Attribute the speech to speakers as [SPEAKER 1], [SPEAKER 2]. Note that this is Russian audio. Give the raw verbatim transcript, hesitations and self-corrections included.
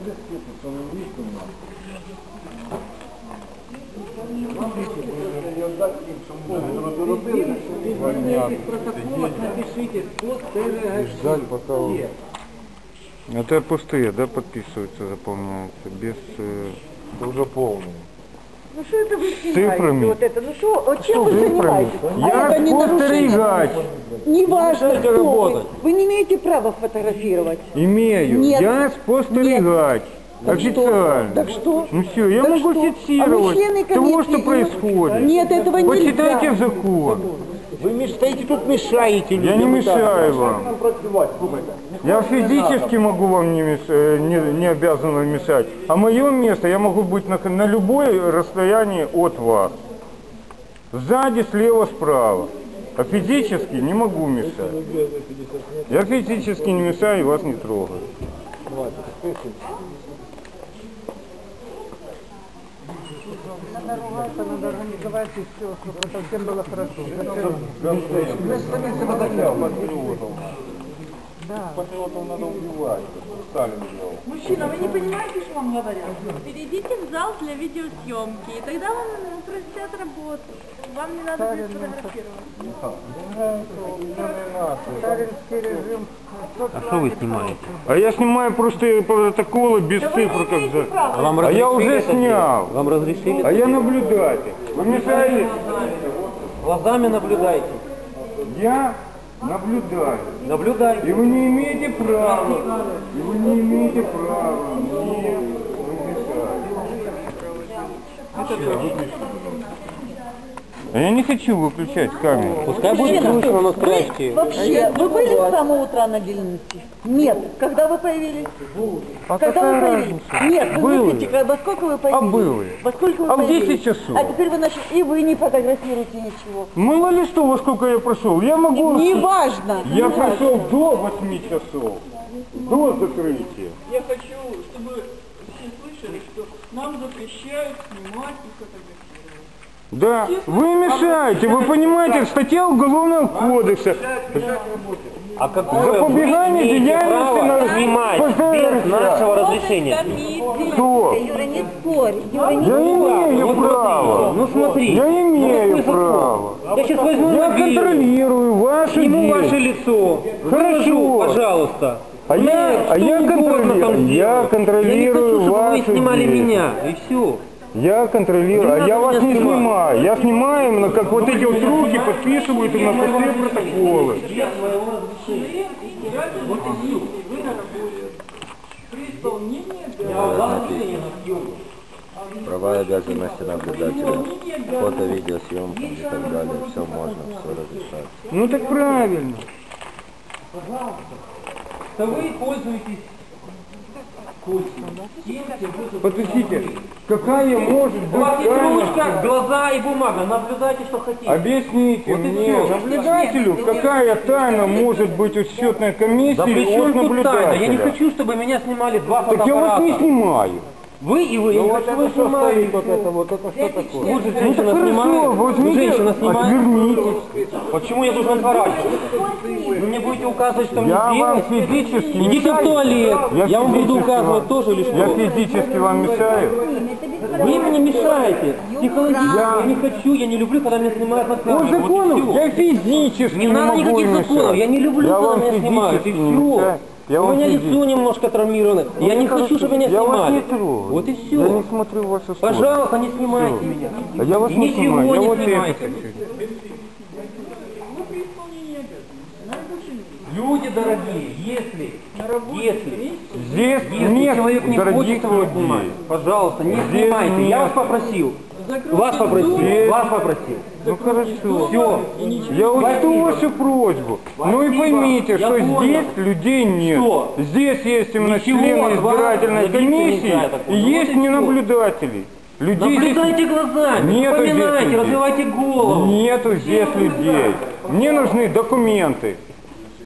[SPEAKER 1] Жаль, пока он... Это пустые, да, подписываются, заполняются, без... Это уже полные.
[SPEAKER 2] Ну что это вы
[SPEAKER 1] цифрами?
[SPEAKER 2] Вот это? Ну что, чем вы занимаетесь?
[SPEAKER 1] Я
[SPEAKER 2] а
[SPEAKER 1] спостерегать.
[SPEAKER 2] Не важно, кто вы. Вы не имеете права фотографировать.
[SPEAKER 1] Имею.
[SPEAKER 2] Нет.
[SPEAKER 1] Я спостерегать.
[SPEAKER 2] Так
[SPEAKER 1] Официально.
[SPEAKER 2] Что? Так что?
[SPEAKER 1] Ну все, я
[SPEAKER 2] так
[SPEAKER 1] могу
[SPEAKER 2] что?
[SPEAKER 1] фиксировать
[SPEAKER 2] а
[SPEAKER 1] того, что происходит.
[SPEAKER 2] Нет, этого нельзя.
[SPEAKER 1] Почитайте в закон.
[SPEAKER 3] Вы стоите тут, мешаете.
[SPEAKER 1] Я не мешаю вам. Я физически могу вам не, мешать, не, не обязан вам мешать. А мое место, я могу быть на, на любое расстояние от вас. Сзади, слева, справа. А физически не могу мешать. Я физически не мешаю и вас не трогаю.
[SPEAKER 4] Надо ругаться, надо организовать и все, чтобы это всем было хорошо. Да.
[SPEAKER 1] Патриотов надо убивать. Сталин делал.
[SPEAKER 5] Мужчина, вы не понимаете, что вам говорят? Перейдите в зал для видеосъемки, и тогда вам упростят работу. Вам не надо будет фотографировать.
[SPEAKER 4] Сталинский режим.
[SPEAKER 3] А что вы снимаете?
[SPEAKER 1] А я снимаю просто протоколы без цифр, как за...
[SPEAKER 3] Вам
[SPEAKER 1] А я уже снял.
[SPEAKER 3] Вам разрешили?
[SPEAKER 1] А я наблюдатель. Вы мешаете?
[SPEAKER 3] Глазами наблюдайте.
[SPEAKER 1] Я наблюдаю.
[SPEAKER 3] Наблюдайте.
[SPEAKER 1] И вы не имеете права. И вы не имеете права мне мешать. А я не хочу выключать камеру.
[SPEAKER 3] Пускай будет слышно, но спрячьте.
[SPEAKER 2] Вообще, вы были с самого утра на Белинке? Нет. Когда вы появились?
[SPEAKER 1] А
[SPEAKER 2] Когда вы появились? Нет, вы
[SPEAKER 1] Было.
[SPEAKER 2] выпустите, во сколько вы появились?
[SPEAKER 1] А было.
[SPEAKER 2] Во сколько вы
[SPEAKER 1] А в
[SPEAKER 2] появились?
[SPEAKER 1] десять часов.
[SPEAKER 2] А теперь вы начали, и вы не фотографируете ничего.
[SPEAKER 1] Мало ли что, во сколько я прошел. Я могу...
[SPEAKER 2] Не важно.
[SPEAKER 1] Я прошел до восьми часов. До закрытия.
[SPEAKER 5] Я хочу, чтобы все слышали, что нам запрещают снимать и фотографировать.
[SPEAKER 1] Да, вы мешаете, вы понимаете, статья Уголовного кодекса.
[SPEAKER 3] А какое
[SPEAKER 1] Запобегание
[SPEAKER 3] вы имеете право
[SPEAKER 1] деятельности
[SPEAKER 3] снимать без нашего разрешения?
[SPEAKER 1] Кто?
[SPEAKER 2] Юра, не спорь. Юра, не
[SPEAKER 1] Я имею
[SPEAKER 3] Вот
[SPEAKER 1] право.
[SPEAKER 3] Ну смотри.
[SPEAKER 1] Я имею
[SPEAKER 3] ну,
[SPEAKER 1] право.
[SPEAKER 3] Я сейчас возьму
[SPEAKER 1] Я
[SPEAKER 3] мобильный,
[SPEAKER 1] контролирую ваши
[SPEAKER 3] сниму ваше
[SPEAKER 1] действия.
[SPEAKER 3] лицо.
[SPEAKER 1] Хорошо.
[SPEAKER 3] Выложу, пожалуйста.
[SPEAKER 1] А я, а я контролирую, я контролирую
[SPEAKER 3] Я не хочу, чтобы
[SPEAKER 1] ваши
[SPEAKER 3] вы снимали
[SPEAKER 1] действия.
[SPEAKER 3] меня, и все.
[SPEAKER 1] Я контролирую, а я вас не снимаю. Я снимаю именно, как вот эти вот руки подписывают и на все протоколы.
[SPEAKER 6] Права и обязанности наблюдателя, фото, видеосъемка и так далее, все можно, все разрешается.
[SPEAKER 1] Ну так правильно.
[SPEAKER 3] Да вы пользуетесь
[SPEAKER 1] Подождите, какая может
[SPEAKER 3] У вас
[SPEAKER 1] быть
[SPEAKER 3] есть
[SPEAKER 1] тайна?
[SPEAKER 3] ручка, глаза и бумага, наблюдайте, что хотите.
[SPEAKER 1] Объясните
[SPEAKER 3] Вот и
[SPEAKER 1] мне,
[SPEAKER 3] всё.
[SPEAKER 1] наблюдателю, какая тайна может быть у счетной комиссии
[SPEAKER 3] Да при
[SPEAKER 1] от
[SPEAKER 3] чем тут
[SPEAKER 1] наблюдателя?
[SPEAKER 3] тайна? Я не хочу, чтобы меня снимали два
[SPEAKER 1] Так я вас
[SPEAKER 3] фотоаппарата.
[SPEAKER 1] не снимаю.
[SPEAKER 3] Вы и вы, я не хочу, чтобы вы снимали.
[SPEAKER 1] вот это, вот это что такое?
[SPEAKER 3] Вы же
[SPEAKER 1] Ну
[SPEAKER 3] женщина
[SPEAKER 1] так хорошо,
[SPEAKER 3] снимает, вы
[SPEAKER 1] возьмите,
[SPEAKER 3] женщина снимает.
[SPEAKER 1] отвернитесь.
[SPEAKER 3] Почему я должен отворачиваться? Вы мне будете указывать, что мне
[SPEAKER 1] Я вам
[SPEAKER 3] делать?
[SPEAKER 1] физически
[SPEAKER 3] Идите в
[SPEAKER 1] мешаю?
[SPEAKER 3] туалет. Я, вам буду
[SPEAKER 1] физически
[SPEAKER 3] указывать
[SPEAKER 1] вам-
[SPEAKER 3] тоже или что?
[SPEAKER 1] Я физически вам мешаю?
[SPEAKER 3] Вы мне мешаете. Психологически я не хочу, я не люблю, когда меня снимают на
[SPEAKER 1] По
[SPEAKER 3] камеру. Вот и
[SPEAKER 1] закону
[SPEAKER 3] всё.
[SPEAKER 1] я физически
[SPEAKER 3] Не
[SPEAKER 1] не
[SPEAKER 3] надо
[SPEAKER 1] могу
[SPEAKER 3] никаких
[SPEAKER 1] им
[SPEAKER 3] законов,
[SPEAKER 1] мешать.
[SPEAKER 3] я не люблю,
[SPEAKER 1] Я
[SPEAKER 3] когда
[SPEAKER 1] вам
[SPEAKER 3] меня снимают, и
[SPEAKER 1] физически не
[SPEAKER 3] все.
[SPEAKER 1] мешаю. Я
[SPEAKER 3] У
[SPEAKER 1] вам
[SPEAKER 3] меня
[SPEAKER 1] физически-
[SPEAKER 3] лицо немножко травмировано. Я не хочу, чтобы меня
[SPEAKER 1] Я вас
[SPEAKER 3] снимали.
[SPEAKER 1] не трогаю.
[SPEAKER 3] Вот и
[SPEAKER 1] Я
[SPEAKER 3] все.
[SPEAKER 1] не смотрю в вашу сторону.
[SPEAKER 3] Пожалуйста, не снимайте меня.
[SPEAKER 1] А я вас
[SPEAKER 3] И
[SPEAKER 1] не
[SPEAKER 3] ничего
[SPEAKER 1] снимаю, я
[SPEAKER 3] не
[SPEAKER 1] вот это
[SPEAKER 3] снимайте.
[SPEAKER 1] хочу.
[SPEAKER 3] Люди дорогие, если, если,
[SPEAKER 1] Здесь
[SPEAKER 3] если
[SPEAKER 1] нет
[SPEAKER 3] человек не
[SPEAKER 1] дорогих
[SPEAKER 3] хочет его
[SPEAKER 1] людей.
[SPEAKER 3] снимать, пожалуйста, не
[SPEAKER 1] Здесь
[SPEAKER 3] снимайте.
[SPEAKER 1] нет.
[SPEAKER 3] Я вас попросил. Вас попросил,
[SPEAKER 1] Здесь-
[SPEAKER 3] вас попросил.
[SPEAKER 1] Ну хорошо.
[SPEAKER 3] Все.
[SPEAKER 1] Я учту
[SPEAKER 3] Спасибо.
[SPEAKER 1] вашу просьбу. Ну и
[SPEAKER 3] Спасибо.
[SPEAKER 1] поймите,
[SPEAKER 3] Я
[SPEAKER 1] что
[SPEAKER 3] понял.
[SPEAKER 1] здесь людей нет.
[SPEAKER 3] Всё.
[SPEAKER 1] Здесь есть именно
[SPEAKER 3] Ничего
[SPEAKER 1] члены
[SPEAKER 3] от вас
[SPEAKER 1] избирательной
[SPEAKER 3] добиться
[SPEAKER 1] комиссии
[SPEAKER 3] нельзя такого.
[SPEAKER 1] и
[SPEAKER 3] Вот
[SPEAKER 1] есть
[SPEAKER 3] и всё.
[SPEAKER 1] ненаблюдателей. Людей
[SPEAKER 3] Наблюдайте глазами,
[SPEAKER 1] Нету здесь
[SPEAKER 3] вспоминайте,
[SPEAKER 1] людей.
[SPEAKER 3] развивайте голову.
[SPEAKER 1] здесь нету здесь людей. Мне нужны документы.